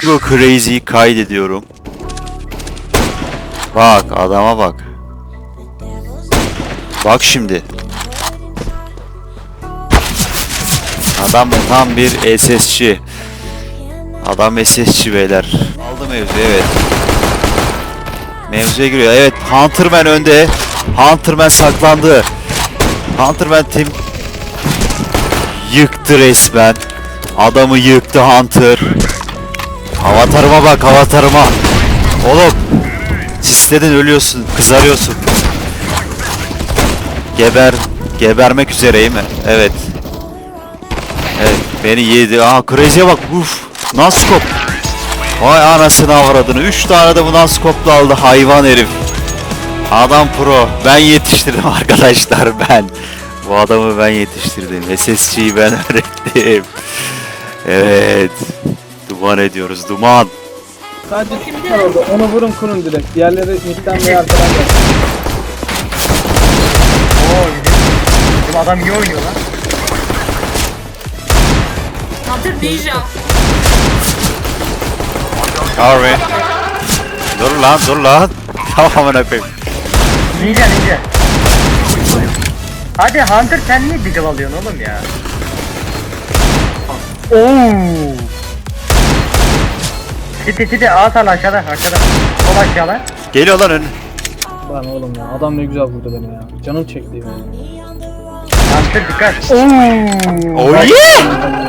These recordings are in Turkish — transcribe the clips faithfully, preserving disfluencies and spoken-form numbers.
Ego Crazy'yi kaydediyorum. Bak adama bak. Bak şimdi. Adam tam bir S S'çi. Adam S S'çi beyler. Aldı mevzu, evet. Mevzuya giriyor. Evet, Hunterman önde. Hunterman saklandı. Hunterman tim yıktı resmen. Adamı yıktı Hunter. Avatarıma bak, avatarıma. Oğlum, sisledin, ölüyorsun, kızarıyorsun. Geber, gebermek üzereyim mi? Evet. Evet, beni yedi. Aa, Crazy'e bak. Uf, Naskop. Vay anasını avradını. Üç tane de bu Naskop'la aldı hayvan herif. Adam pro. Ben yetiştirdim arkadaşlar, ben. Bu adamı ben yetiştirdim. S S'ciyi ben öğrettim. Evet. Duman ediyoruz, duman. Sadece kim var orada? Onu vurun, kurun direkt. Diğerleri midden veya arkadan gelsin. Oo bizim, bizim adam iyi oynuyor lan. Hunter Ninja. Harbi. Dur lan, dur lan. Tamam amına koyayım. Ninja ninja. Hadi Hunter, sen niye diggle alıyorsun oğlum ya? Oo. Siti siti ağ sal aşağıda aşağıda. Sol aşağıda. Geliyor lan ön. Lan oğlum ya, adam ne güzel vurdu beni ya. Canım çekti ya. Hunter dikkat. Oo. Oh yeah!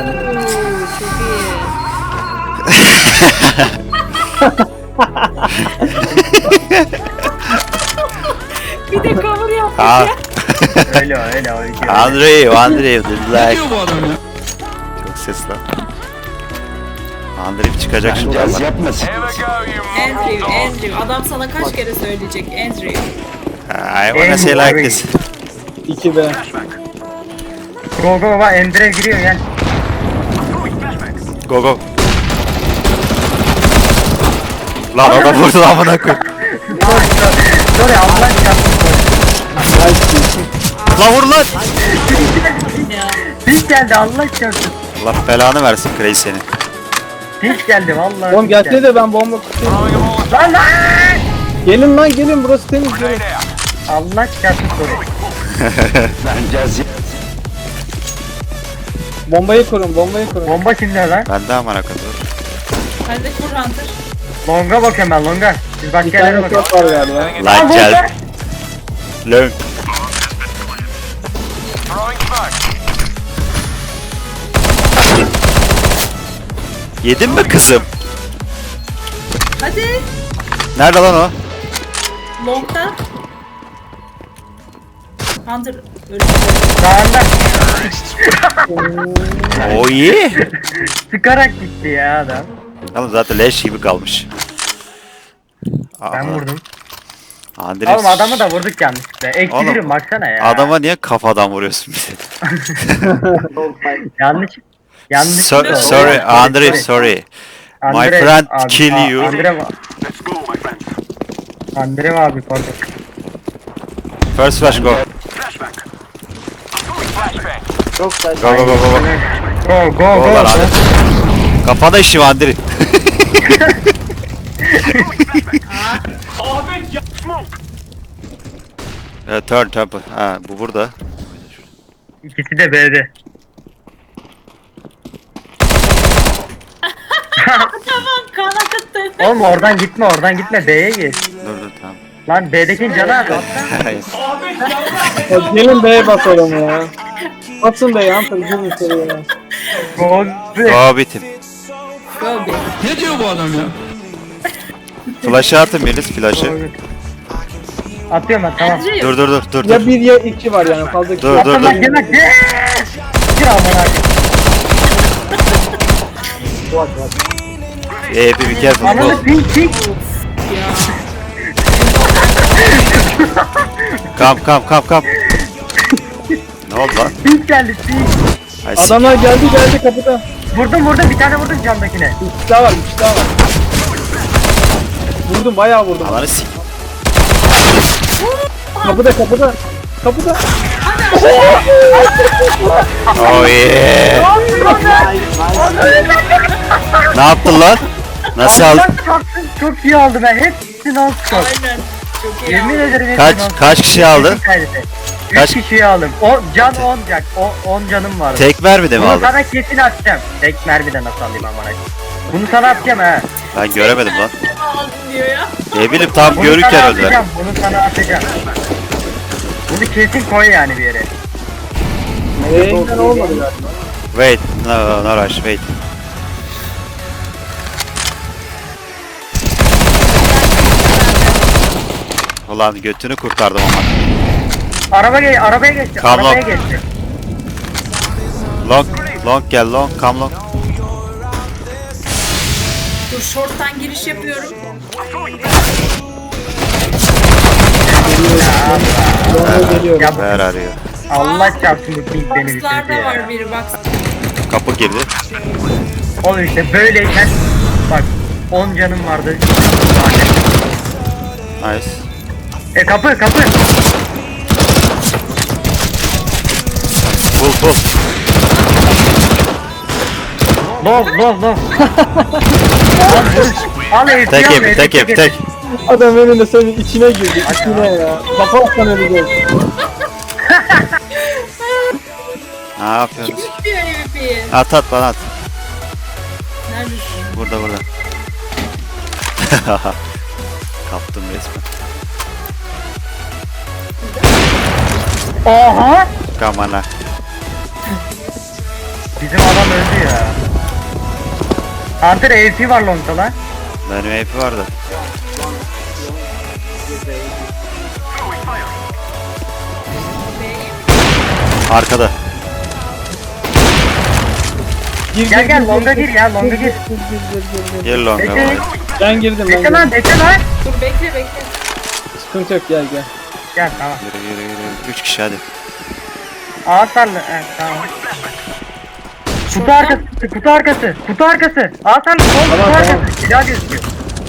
Bir de cover yapmış Ha. ya. Öyle öyle o iki. Andrei, Andrei, the black. Çok ses lan. Andrei çıkacak şimdi. Yaz Allah. yapmasın. Andrew, Andrew. Adam sana kaç kere söyleyecek Andrew. I wanna say like this. iki be. Go go baba, Endre giriyor yani. Go go. Lan adam vurdu lan bana koy. Sorry sorry Allah çarpsın. Lan vur lan. Ya. Pink geldi Allah çarpsın. Allah belanı versin Crazy seni. Pink geldi vallahi. Oğlum pink gelsene geldi. de ben bomba tutayım. Lan lan. Gelin lan gelin, burası temiz gelin. Allah çarpsın sorry. Ben caz yap. Bombayı kurun, bombayı kurun. Bomba kimde lan? Ben de amına koyayım. Hadi kur Hunter. Longa bakıyorum ben longa. Siz başka Bir yerlere tane bakın. top var galiba. Lan gel. Lön. Yedin mi kızım? Hadi. Nerede lan o? Long'da. Hunter öldü. Sağında. Oh yeah. Sıkarak gitti ya adam. Ama zaten leş gibi kalmış. Ben vurdum. Andres. Oğlum adamı da vurduk yanlışlıkla. Eksi Oğlum, birim baksana ya. Adama niye kafadan vuruyorsun bize? Yanlış. Yanlış. So, oldu. sorry, Andre, sorry. My Andre friend abi, kill a- you. Andre va- Andre abi pardon. First flash go. Çok güzel. Go go go go. go. Go go Go go. lan hadi. Kafana işi var Andre. Evet, turn turn. Ha, bu burada. İkisi de B'de. Tamam kan akıttı. Oğlum oradan gitme oradan gitme B'ye git. Dur dur tamam. Lan B'deki canı abi atla. Hayır. Ya gelin B'ye basalım ya. Atın B'ye, Hunter gelin içeriye ya. Go B. Go bitim. Go be. Flash'ı atın Melis, flash'ı. Atıyorum ben tamam. Andrew. Dur dur dur dur Ya dur. bir ya iki var yani, fazla iki. Dur dur Atla lan dur. gel lan gel. Gir amına. Ee, bir bir careful. Ananı Go. pink pink. Come come come come. Ne oldu lan? Pink geldi pink. Ay, s- Adamlar geldi geldi kapıda. Vurdum vurdum bir tane vurdum camdakine. Bir kişi daha var, bir kişi daha var. Vurdum, bayağı vurdum. Alanı s- Kapıda kapıda. Kapıda. Oh yeah. Ne yaptın lan? Nasıl aldın? Allah çarpsın, çok iyi aldım ben. Hepsini al skop. Aynen. Çok iyi Yemin aldın. ederim hepsini Kaç al. kaç kişi aldın? Üç Kaç- kişiyi aldım. O can on can. O on canım vardı. Tek mermi de mi Bunu aldın? sana kesin atacağım. Tek mermiden nasıl alayım amına. Bunu sana atacağım ha. Ben göremedim lan. Ne aldın diyor ya. Ne bileyim tam Bunu görürken sana öldüler. atacağım. Bunu sana atacağım. Bunu kesin koy yani bir yere. Renkten olmadı galiba. Wait, no, no rush, wait. Ulan götünü kurtardım ama. Araba ge arabaya geçti. Tamam. Arabaya geçti. Long, long gel long, come long. Dur short'tan giriş yapıyorum. Yolda geliyorum. Ya Ver arıyor. Allah çarpsın bu ping beni bitirdi Box'larda ya. var biri box. Kapı girdi. Oğlum işte böyleyken bak on canım vardı. Nice. E kapı kapı. Pull pull. Lov lov lov. Al vur. Al F P Tek al, yemi, F P tek yemi, getir. tek. Adam önünde senin içine girdi. İçine ya. Kafa atsan öleceğiz. Ne yapıyorsun? Kim istiyor M V P'yi? At at bana at. Neredesin? Burada burada. Kaptım resmen. Oha. Kamana. Bizim adam öldü ya. Hunter A P var longta lan. Benim A P vardı. Arkada. Gir, Gel gel longa gir ya longa gir. Gir longa. Bekle. bak. Ben girdim ben Bekle girdim. lan bekle lan. Dur bekle bekle. Sıkıntı yok gel gel. Gel tamam. Yürü yürü yürü. Üç kişi hadi. Ağaçlarla. Evet tamam. Kutu arkası, kutu arkası, kutu arkası. Ağaçlarla sol kutu Tamam, arkası. tamam. Silah gözüküyor.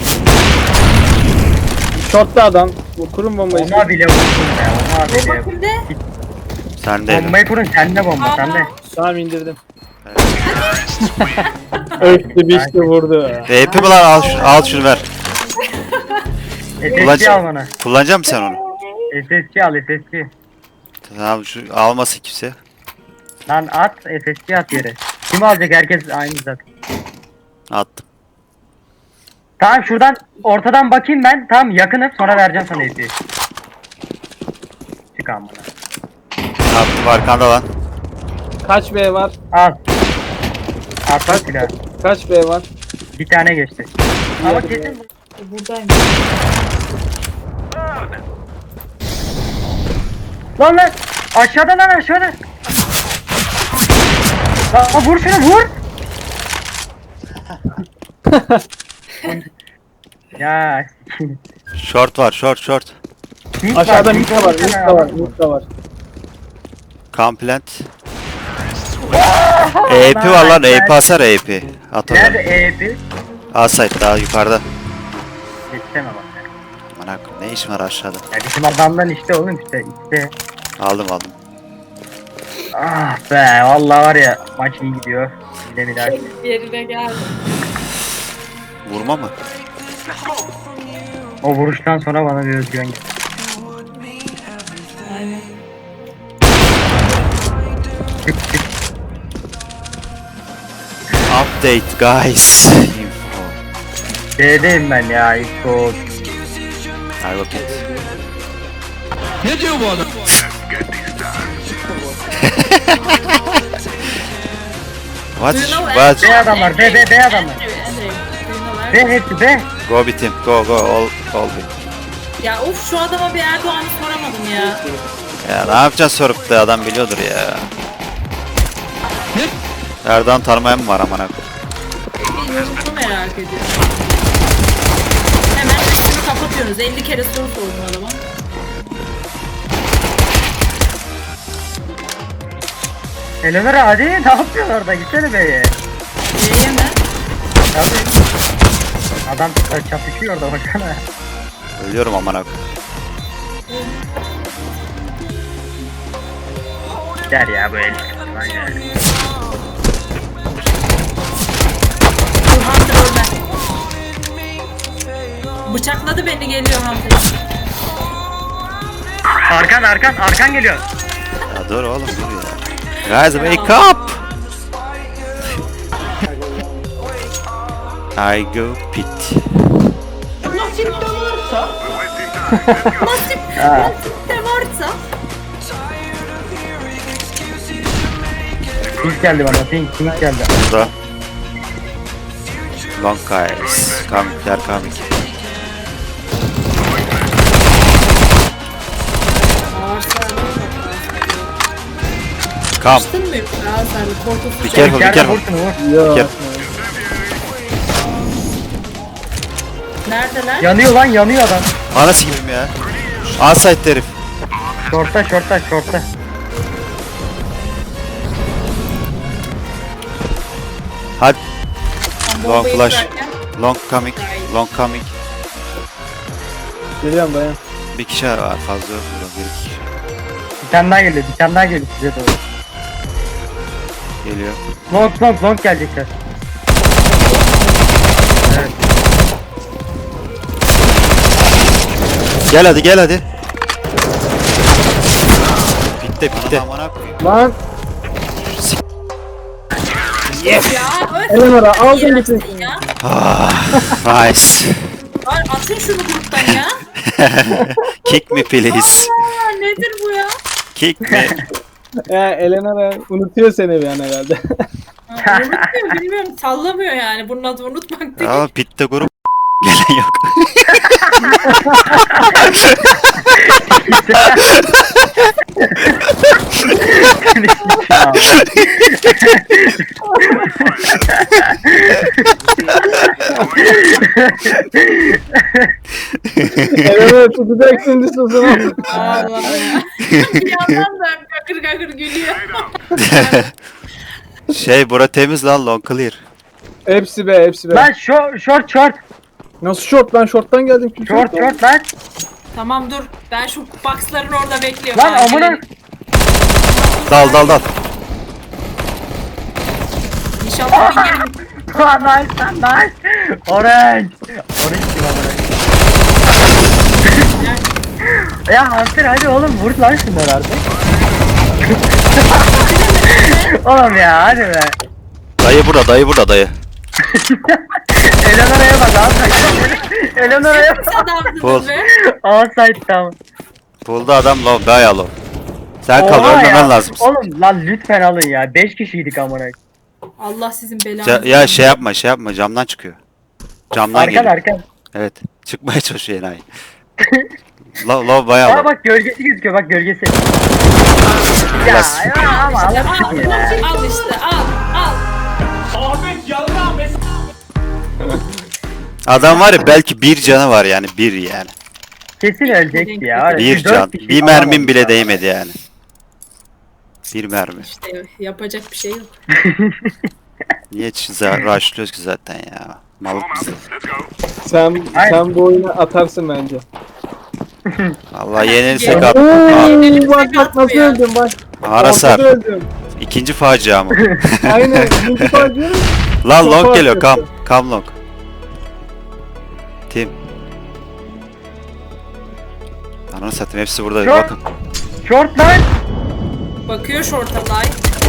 Şortta adam. Bu kurum bombayı. Ona bile vurdum ya. Ona bile. Bomba kimde? Sen de. Bombayı kurun sende bomba sende. Tamam indirdim. Öktü biçti vurdu. A P mi lan al, şu- al şunu ver. S S G Kullanacak, al bana. kullanacak mısın sen onu? S S G al S S G. Tamam şu almasın kimse. Lan at S S G at yere. Kim alacak herkes aynı zaten. Attım. Tamam şuradan ortadan bakayım ben. Tamam yakınım sonra vereceğim sana F P'yi. Çık amına. Attım arkanda lan. Kaç B var? Al. Atla silah. Kaç B var? Bir tane geçti. Ama kesin bu- Buradayım. Lan lan! Aşağıda lan aşağıda! Lan vur şunu vur! Ya Short var short short. Mid Aşağıda var, mid de var. Mid de var. Mid de var. Complant. A P var lan A P asar A P. At o Nerede zaman. E P? Asayt daha yukarıda. Geçsene bak ya. Aman ne iş var aşağıda. Ya bizim adamdan işte oğlum işte işte. Aldım aldım. Ah be vallahi var ya maç iyi gidiyor. Bir de bir daha. Yerine geldi. Vurma mı? O vuruştan sonra bana bir özgüven geldi. Aynen. Update guys. D'deyim ben ya ilk o. Hadi bakayım. Ne diyor bu adam? What? Do you know What? B adamlar B B B adamlar. Andrew, Andrew. Do you know B where? hepsi B. Go bitim. Go go all all bit. Ya of şu adama bir Erdoğan'ı soramadım ya. Ya ne yapacaksın sorup da adam biliyordur ya. Erdoğan tanımayan mı var amına koyayım? Bir yorumunu merak ediyorum. Hemen üstünü kapatıyorsunuz. elli kere soru sordum adama. Eleonora hadi ne yapıyorsun orada gitsene B'ye. C'ye mi? Tabii. Adam çatışıyor orada baksana. Ölüyorum amına koyayım. Der ya bu el. Aynen. Dur Hunter ölme. Bıçakladı beni, geliyor Hunter. Arkan arkan arkan geliyor. Ya dur oğlum dur ya. Guys wake up. I go pit. Nasip de varsa. Nasip, Ha. nasip de varsa. Pink geldi bana. Pink pink geldi. Burada. Long guys. Coming, they're coming. Come. Açtın mı? Aa sen korkusuz. Be careful, be Gel careful. vursun vur. Yok. Gel. Neredeler? Yanıyor lan yanıyor adam. Anası gibiyim ya. Outside herif. Şorta şorta şorta. Hadi. Tam Long bombayı flash. kırarken. Long coming. Long coming. Geliyorum dayan. Bir kişi var fazla yok. burada, Bir iki kişi. Bir tane daha geliyor. Bir tane daha geliyor size doğru. Geliyor. Long long long gelecekler. Evet. Gel hadi gel hadi. Bitti bitti. Lan Ya öyle Eleanor'a aldın iğrençsin gitsin. ya. Nice. Ay, atın şunu gruptan ya. Kick me please. Aa, nedir bu ya? Kick me. Ya Eleanor'a unutuyor seni bir an herhalde. Ha, unutmuyor, bilmiyorum, sallamıyor yani. Bunun adı unutmak değil. Aa bitti grup. Gelen yok. Eleanor'a tutacak şimdi sözümü. Allah ya. Bir yandan da kakır kakır gülüyor. Şey bura temiz lan long clear. Hepsi be hepsi be. Lan short short short. Nasıl short lan shorttan geldim. Kim Short shorttan? short lan. Tamam dur. Ben şu boxların orada bekliyorum. Lan Ay, amına. Dal dal dal. İnşallah bir yerim. Lan nice lan nice. Orange. Orange kim amına? Ya Hunter hadi oğlum vur lan şunları artık. Oğlum ya hadi be. Dayı burada dayı burada dayı. Eleanor'a bak outside. Eleanor'a bak. Bul. Adamdınız be. Outside tamam. Buldu adam low bayağı low. Sen kal Oha ölmemen ya. lazım. Oğlum lan lütfen alın ya. beş kişiydik amına. Allah sizin belanızı. Ca- ya şey yapma şey yapma camdan çıkıyor. Camdan Arkan geliyor. arkan. Evet. Çıkmaya çalışıyor enayi. Low low bayağı Aa low. bak gölgesi gözüküyor bak gölgesi. Ya, Biraz. ya ama Al, Allah aşkına ya. al işte al al. Adam var ya belki bir canı var yani bir yani. Kesin ölecekti ya. Var ya, Bir dört can. kişi Bir falan mermim oldu bile ya. değmedi yani. Bir mermi. İşte yapacak bir şey yok. Niye za- rushlıyoruz ki zaten ya. Malık mısın? Sen, Aynen. sen bu oyunu atarsın bence. Vallahi yenilirsek Gel. at. Oo, bak bak nasıl öldüm bak. Arasar. Ortada öldüm. İkinci facia mı? Aynen. İkinci parçayı. Lan Çok long geliyor kam. fark Kam long. Tim. Ananı satayım hepsi burada. Short. Bakın. Short lan. Bakıyor short'a lay.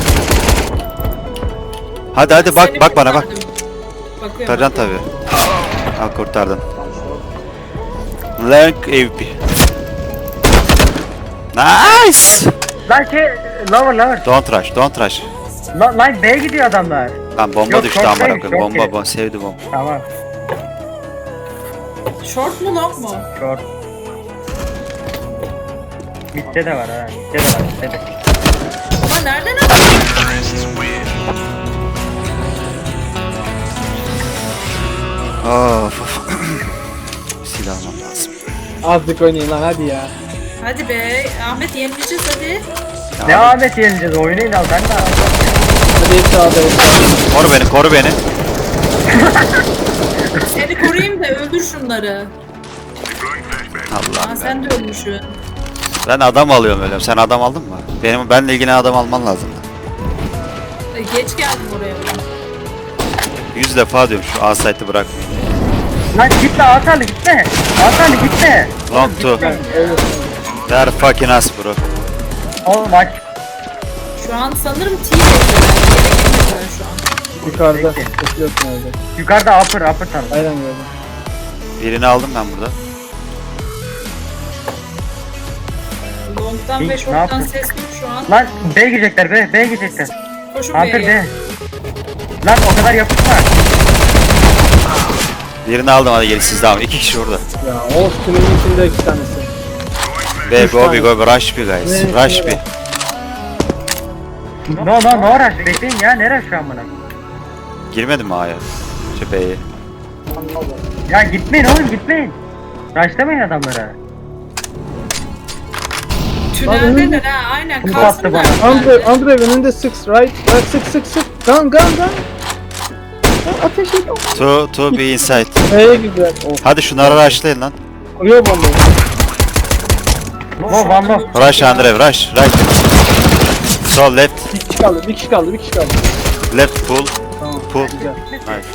Hadi hadi bak Seni bak bana bak. kurtardım. Bakıyorum. Kurtaracaksın tabi. Al kurtardın. Lang A W P. Nice. Lan şey lower lower. Don't rush, don't rush. Lan lan B'ye gidiyor adamlar. Lan bomba Yok, düştü short amına değil, koyayım. short Bomba değil. bomba sevdi bomba. Tamam. Short mu long mu? Short. Mid'de de var ha. Mid'de de var. Mid'de de. Ama nereden aldın? Of of. Silah almam lazım. Azıcık oynayın lan hadi ya. Hadi be Ahmet, yenileceğiz hadi. Ne Ahmet yeneceğiz oynayın al ben de al. Hadi hepsi sağda hepsi sağda. Koru beni, koru beni. Seni koruyayım da öldür şunları. Aa Allah'ım ben. sen de ölmüşsün. Ben adam alıyorum öyle. Sen adam aldın mı? Benim benle ilgili adam alman lazım. E, Geç geldim oraya ben. Yüz defa diyorum şu A site'ı bırakmayın. Lan gitme Hasanlı gitme. Hasanlı gitme. Long two. Öyle. They're fucking us bro. Oğlum maç. Şu an sanırım T bekliyorlar. Bekliyorlar şu an. Yukarıda. Peki. Bekliyorsun orada. Yukarıda upper upper tarafı. Aynen gördüm. Birini aldım ben burada. Long'dan Pink, ve ne short'tan yaptın? ses yok şu an. Lan B girecekler B. B girecekler. Koşun Hunter B'ye. B. Lan o kadar yapışma. Birini aldım hadi gelin siz devam. İki kişi orada. Ya o tünelin içinde iki tanesi. Be Üç go be tane. go be rush be guys. Ne, Rush ne be. var? No no no rush. Bekleyin ya. Ne rush şu an buna? Girmedin mi A'ya? Şu B'ye. Ya gitmeyin oğlum gitmeyin. Rushlamayın adamlara. Tüneldeler ha aynen. Kum Kalsınlar. battı bana. Andre, Andre önünde six right. Right sık sık sık. Gun gun gun. Lan ateş et. To, to be inside. B'ye gidiyor. Oh. Hadi şunları rushlayın lan. Kuruyor bombayı. No one no. Rush Andre rush. Right. Sol left. Bir kişi kaldı. Bir kişi kaldı. Bir kişi kaldı. Left pull. Tamam. Pull. Güzel. Nice.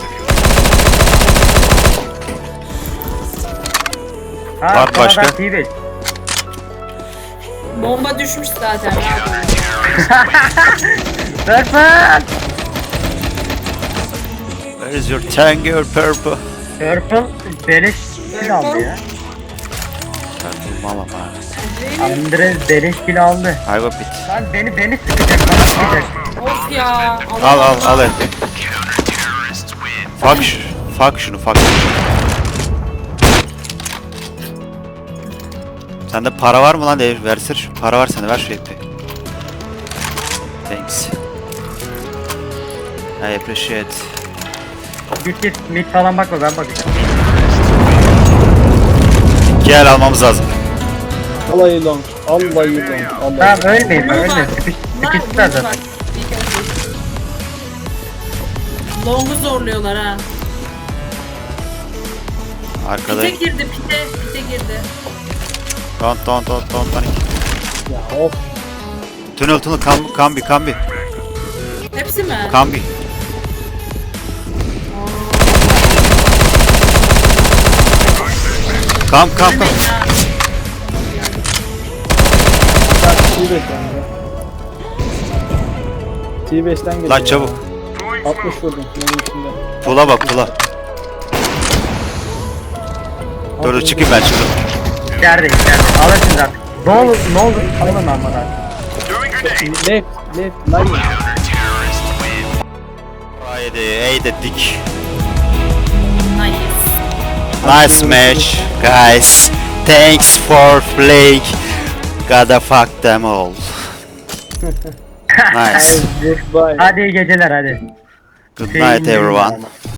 Ha, Var sonra başka? ben T beş. Bomba düşmüş zaten. Purple. Where is your tango purple? Purple beleş kill aldı ya. Purple mama man. Andre beleş kill aldı. I got bit. Lan beni beni sıkacak bana sıkacak. Of ya. Al al al elde. Fuck şu. Fuck şunu fuck. Sende para var mı lan? De versene şu. Para var sende ver şu ipi. Thanks. I appreciate. Git git mid falan bakma ben bakacağım. Gel almamız lazım. Alayı long. Alayı long. Tamam Alayı. ölmeyin ölme. Sıkış, sıkıştılar zaten. Long'u zorluyorlar ha. Arkada. Pite girdi pite. Pite girdi. Don't don't don't don't panic. Ya of. Tunnel tunnel kam kambi kambi Hepsi mi? kambi. Kam kam kam. T beş yani. T beşten geliyor. Lan çabuk. Ya. altmış vurdum. Tünelin içinde. Pula bak pula. Dur dur çıkayım ben çıktım. İçeride içeride. Alırsınız artık. Ne olur ne olur alın almadan. Left. Left. Line. Haydi eğdedik. Nice. Nice match guys. Thanks for playing. Gotta fuck them all. Nice. Goodbye. Hadi iyi geceler hadi. Good night everyone.